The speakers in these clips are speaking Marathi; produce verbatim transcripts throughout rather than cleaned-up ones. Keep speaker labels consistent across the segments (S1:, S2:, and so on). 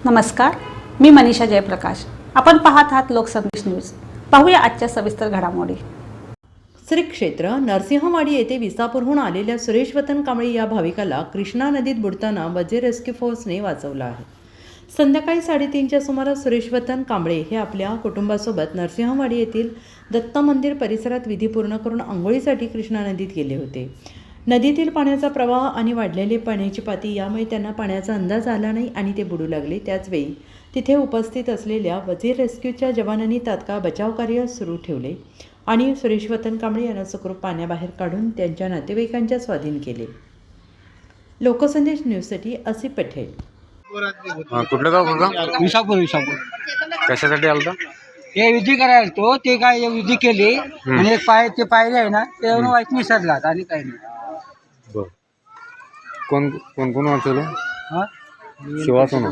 S1: नमस्कार, मी मनीषा जयप्रकाश. आपण पाहत आहात लोकसंदेश न्यूज. पाहूया आजच्या सविस्तर घडामोडी.
S2: श्री क्षेत्र नरसिंहवाडी येथे विसापूरहून आलेल्या सुरेश वतन कांबळे या भाविकाला कृष्णा नदीत बुडताना वजे रेस्क्यू फोर्सने वाचवलं आहे. संध्याकाळी साडेतीनच्या सुमारास सुरेश वतन कांबळे हे आपल्या कुटुंबासोबत नरसिंहवाडी येथील दत्त मंदिर परिसरात विधी पूर्ण करून आंघोळीसाठी कृष्णा नदीत गेले होते. नदीतील पाण्याचा प्रवाह आणि वाढलेली पाण्याची पाती यामुळे त्यांना पाण्याचा अंदाज आला नाही आणि ते बुडू लागले. त्याचवेळी तिथे उपस्थित असलेल्या वजीर रेस्क्यूच्या जवानांनी तात्काळ बचावकार्य सुरू ठेवले आणि सुरेश वतन कांबळे यांना सुखरूप पाण्याबाहेर काढून त्यांच्या नातेवाईकांच्या स्वाधीन केले. लोकसंदेश न्यूजसाठी असिफ पटेल.
S3: कुठलं गाव बघा?
S4: विसापूर. विसापूर
S3: कशासाठी आलता?
S4: ते विधी करायला तो ते काय विधी केली आणि एक पाय ते पायरे आहे ना ते वाईट निसरला आणि काही नाही.
S3: बर, कोण कोण कोण वाचवलं?
S4: हा
S3: शिवासोना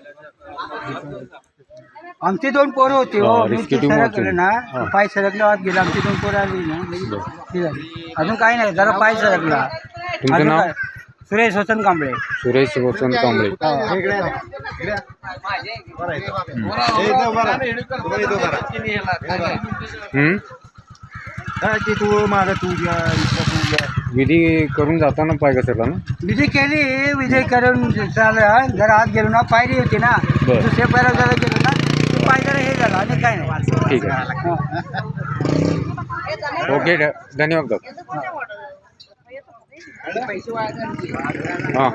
S4: आमचे दोन पोरं होते हो.
S3: हा,
S4: मी
S3: rescue
S4: ते
S3: team
S4: सरकले
S3: वाचवली.
S4: ना
S3: हा.
S4: पाय सरकले वाट गेला. आमची दोन पोरं आली ना ठीक आहे. अजून काही नाही, जरा पाय सरकला.
S3: तुमचं
S4: अजून
S3: नाव?
S4: काय? सुरेश वसंत कांबळे.
S3: सुरेश वसंत कांबळे. हम्म? विधी करून जाताना पाय घसरला ना?
S4: विधी केली, विधी करून चाललं जरा आत गेलो ना, पायरी होती ना
S3: बरं.
S4: दुसऱ्या पायऱ्या जरा गेलो ना ते पाय जरा हे झालं आणि काय नाही.
S3: ठीक आहे, ओके, धन्यवाद. हां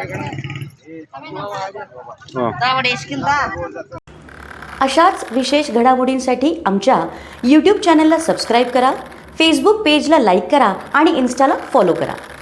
S3: हां
S5: अशाच विशेष घडामोडींसाठी आमच्या यूट्यूब चॅनलला सबस्क्राईब करा, फेसबुक पेजला लाईक करा आणि इन्स्टाला फॉलो करा.